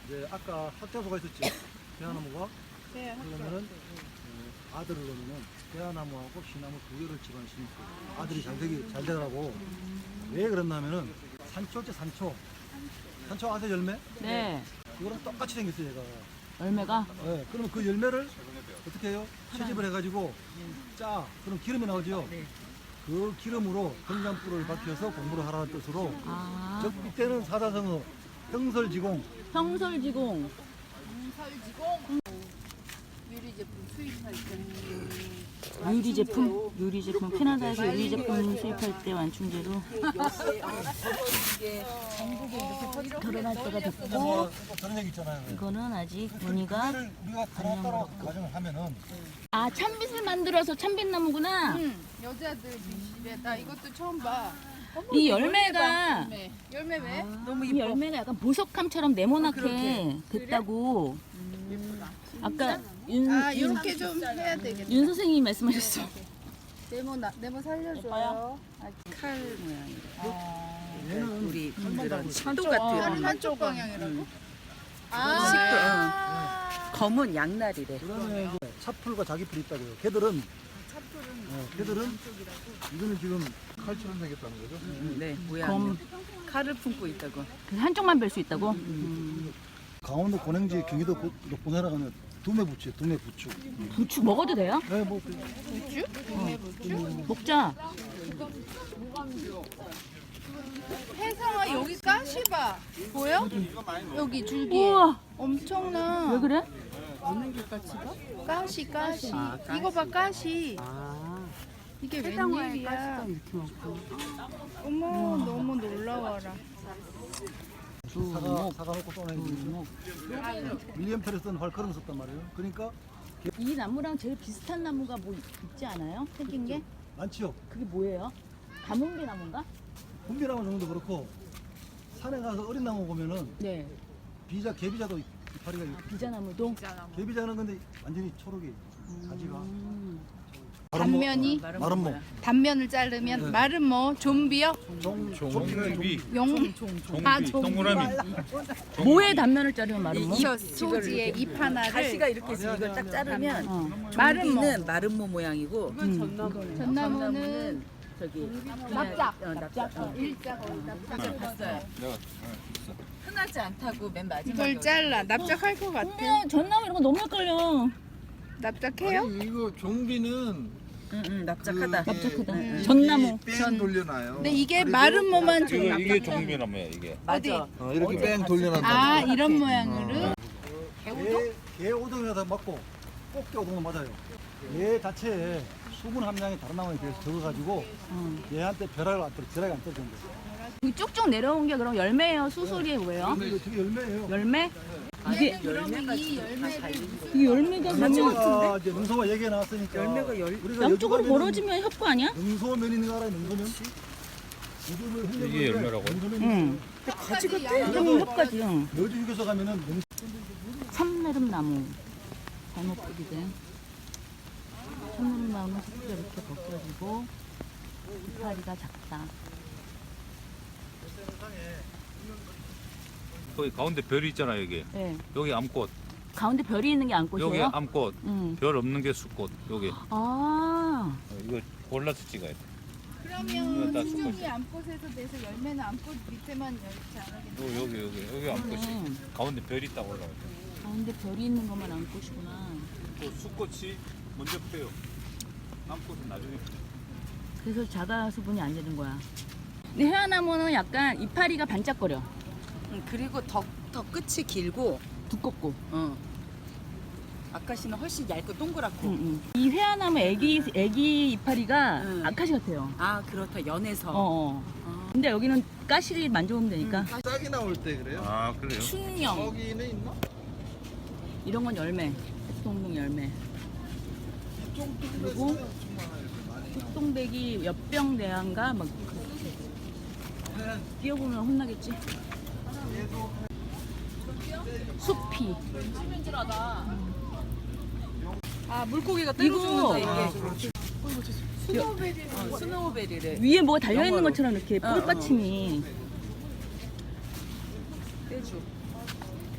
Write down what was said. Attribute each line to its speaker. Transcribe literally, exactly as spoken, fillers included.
Speaker 1: 이제 아까 학자소가 있었지. 대하나무가
Speaker 2: 네,
Speaker 1: 그러면은 어, 아들을 넣으면은 대하나무하고 시나무 두 개를 집안에 심고 아들이 잘 되기 잘 되라고. 왜 그랬냐면은 산초지 산초. 산초 아세요 열매?
Speaker 3: 네.
Speaker 1: 그거랑 똑같이 생겼어요 얘가.
Speaker 3: 열매가
Speaker 1: 네, 그러면 그 열매를 어떻게 해요? 채집을 해가지고 짜. 그럼 기름이 나오죠. 그 기름으로 된장불을 밝혀서 공부를 하라는 뜻으로.
Speaker 3: 아
Speaker 1: 저 이때는 사자성어 형설지공.
Speaker 3: 평설지공.
Speaker 2: 설지공 유리 제품 수입할 때
Speaker 3: 유리 제품, 유리 제품 캐나다에서 유리 제품 수입할 때 완충제로 결혼할 때가 됐고
Speaker 1: 그런 얘기 있잖아요.
Speaker 3: 이거는 아직 무늬가
Speaker 1: 그거를 우리가 따로 따로 가정을 하면은
Speaker 3: 아 참빗을 만들어서 참빗나무구나.
Speaker 2: 응, 여자들 미실에 나 이것도 처음 봐.
Speaker 3: 이 열매가
Speaker 2: 열매 열매 왜?
Speaker 3: 너무 이 열매가 약간 보석함처럼 네모나게 됐다고. 아까 윤,
Speaker 2: 아
Speaker 3: 윤,
Speaker 2: 이렇게 좀 해야 되겠다.
Speaker 3: 윤 선생님이 말씀하셨어.
Speaker 2: 네모 나 네모 살려줘요.
Speaker 4: 칼 모양이래.
Speaker 1: 얘는
Speaker 4: 우리
Speaker 1: 칼만
Speaker 4: 그런
Speaker 1: 달고
Speaker 4: 식도
Speaker 2: 팔
Speaker 4: 같은
Speaker 2: 한쪽 방향이라고?
Speaker 4: 식도,
Speaker 2: 아
Speaker 4: 검은 양날이래.
Speaker 1: 그다음에 이제 차풀과 자기풀이 있다고요. 걔들은 어, 걔들은 이거는 지금 칼처럼 생겼다는 거죠.
Speaker 4: 네, 모양.
Speaker 3: 검
Speaker 4: 칼을 품고 있다고.
Speaker 3: 그 한쪽만 뵐 수 있다고. 음.
Speaker 1: 강원도 고냉지 경기도 본해라 가면 두매 부추, 두매 부추.
Speaker 3: 부추 먹어도 돼요?
Speaker 1: 네, 뭐
Speaker 2: 부추? 동네 부추?
Speaker 3: 먹자.
Speaker 2: 혜성아 여기 가시 봐. 보여? 여기 줄기에
Speaker 3: 우와
Speaker 2: 엄청나.
Speaker 3: 왜 그래?
Speaker 2: 가시 가시. 이거 봐 가시. 이게 웬일이야? 어머 너무 놀라워라.
Speaker 1: 사과 사과 놓고 쏘는 윌리엄 페리스는 활커름 썼단 말이에요. 그러니까
Speaker 3: 이 나무랑 제일 비슷한 나무가 뭐 있지 않아요? 생긴 게?
Speaker 1: 많지요.
Speaker 3: 그게 뭐예요? 가뭄비 나무인가?
Speaker 1: 분비나무 정도 그렇고 산에 가서 어린 나무 보면은
Speaker 3: 네.
Speaker 1: 비자 개비자도 이파리가 있고
Speaker 3: 비자나무도.
Speaker 1: 개비자는 근데 완전히 초록이 가지가
Speaker 3: 음.
Speaker 2: 단면이
Speaker 1: 마른 목
Speaker 2: 단면을 자르면 마른 뭐 좀비요?
Speaker 5: 종비,
Speaker 2: 용? 아
Speaker 5: 종비,
Speaker 2: 좀비.
Speaker 5: 동그라미.
Speaker 3: 뭐에 단면을 자르면 마른 모?
Speaker 2: 이 소지의 잎 하나를
Speaker 4: 가시가 이렇게 해서 이걸 딱 자르면
Speaker 3: 어.
Speaker 2: 마른 모.
Speaker 4: 종비는 마른 모 모양이고
Speaker 2: 전나무는
Speaker 4: 전나무는 저기
Speaker 2: 납작.
Speaker 4: 어, 납작. 어.
Speaker 2: 일자 거의 납작.
Speaker 4: 봤어요.
Speaker 5: 내가
Speaker 4: 흔하지 않다고 맨 마지막에.
Speaker 2: 이걸 잘라. 납작할 것 같아.
Speaker 3: 근데 전나무 이런 거 너무 헷갈려.
Speaker 2: 납작해요?
Speaker 5: 아니, 이거 종비는
Speaker 4: 응, 응, 납작하다.
Speaker 3: 납작하다.
Speaker 4: 응.
Speaker 3: 전나무.
Speaker 5: 뺑 돌려놔요.
Speaker 2: 근데 이게 마른 모만 좀
Speaker 5: 이거 이게
Speaker 2: 납작해.
Speaker 5: 종비나무야 이게.
Speaker 4: 맞아.
Speaker 5: 어, 이렇게 뺑 돌려놨다.
Speaker 2: 아 이런 모양으로?
Speaker 1: 개, 개 오동이라서 맞고 꽃게 오동은 맞아요. 얘 자체에 수분 함량이 다른 나무에 비해서 적어가지고 얘한테 벼락을 안 떨어, 벼락이 안 떨어진대.
Speaker 3: 이 쭉쭉 내려온 게 그럼 열매예요? 수술이 뭐예요?
Speaker 1: 근데 이거 되게 열매예요.
Speaker 3: 열매? 이게
Speaker 2: 그러면 이 열매를
Speaker 3: 이 열매가 그러면
Speaker 1: 자체가 이제 능소가 얘기가 나왔으니까
Speaker 4: 열매가 열-
Speaker 1: 우리가
Speaker 3: 양쪽으로
Speaker 1: 여주 가면은
Speaker 3: 벌어지면 협구 아니야?
Speaker 1: 능소면 있는 거 알아요? 능소면?
Speaker 5: 이게 열매라고요?
Speaker 3: 응.
Speaker 2: 가지가
Speaker 3: 그럼 협까지. 응.
Speaker 1: 여주 휴게소 가면은 능
Speaker 3: 참내름나무 잘못 뿌리대. 참내름나무는 속도 이렇게 벗겨지고 이파리가 작다.
Speaker 5: 거기 가운데 별이 있잖아요 여기.
Speaker 3: 네.
Speaker 5: 여기 암꽃,
Speaker 3: 가운데 별이 있는 게
Speaker 5: 여기
Speaker 3: 안꽃이에요?
Speaker 5: 암꽃,
Speaker 3: 응.
Speaker 5: 별 없는 게 숫꽃. 여기. 어,
Speaker 3: 아.
Speaker 5: 이거 골라서 찍어야 돼.
Speaker 2: 그러면
Speaker 5: 이거 다
Speaker 2: 수종이
Speaker 5: 쑥갓이야.
Speaker 2: 암꽃에서 돼서 열매는 암꽃 밑에만 열지 않으겠네.
Speaker 5: 요, 여기 여기 여기 암꽃이.
Speaker 3: 그러네.
Speaker 5: 가운데 별이 딱 올라가.
Speaker 3: 가운데 별이 있는 것만 안꽃이구나.
Speaker 5: 또 숫꽃이 먼저 펴요. 암꽃은 나중에 펴요.
Speaker 3: 그래서 자가 수분이 안 되는 거야. 근데 해화나무는 약간 이파리가 반짝거려.
Speaker 4: 응, 그리고 더, 더 끝이 길고,
Speaker 3: 두껍고.
Speaker 4: 어. 아카시는 훨씬 얇고 동그랗고.
Speaker 3: 응, 응. 이 회화나무 애기 애기 이파리가
Speaker 4: 응.
Speaker 3: 아카시 같아요.
Speaker 4: 아, 그렇다. 연해서.
Speaker 3: 어, 어. 근데 여기는 가시를 만져보면 되니까.
Speaker 6: 싹이 나올 때 그래요?
Speaker 5: 아 그래요?
Speaker 3: 춘령
Speaker 6: 거기는 있나?
Speaker 3: 이런 건 열매. 햇동동 열매. 그리고 흑동백이 엽병대한가 막 그렇게. 뛰어보면 혼나겠지. 숲이.
Speaker 4: 아, 물고기가 때려
Speaker 3: 이거
Speaker 4: 죽는다, 이게.
Speaker 2: 스노우베리
Speaker 4: 어, 스노우베리래.
Speaker 3: 위에 뭐가 달려 있는
Speaker 4: 영어로.
Speaker 3: 것처럼 이렇게
Speaker 4: 어, 어.
Speaker 3: 뿔받침이.
Speaker 4: 떼주.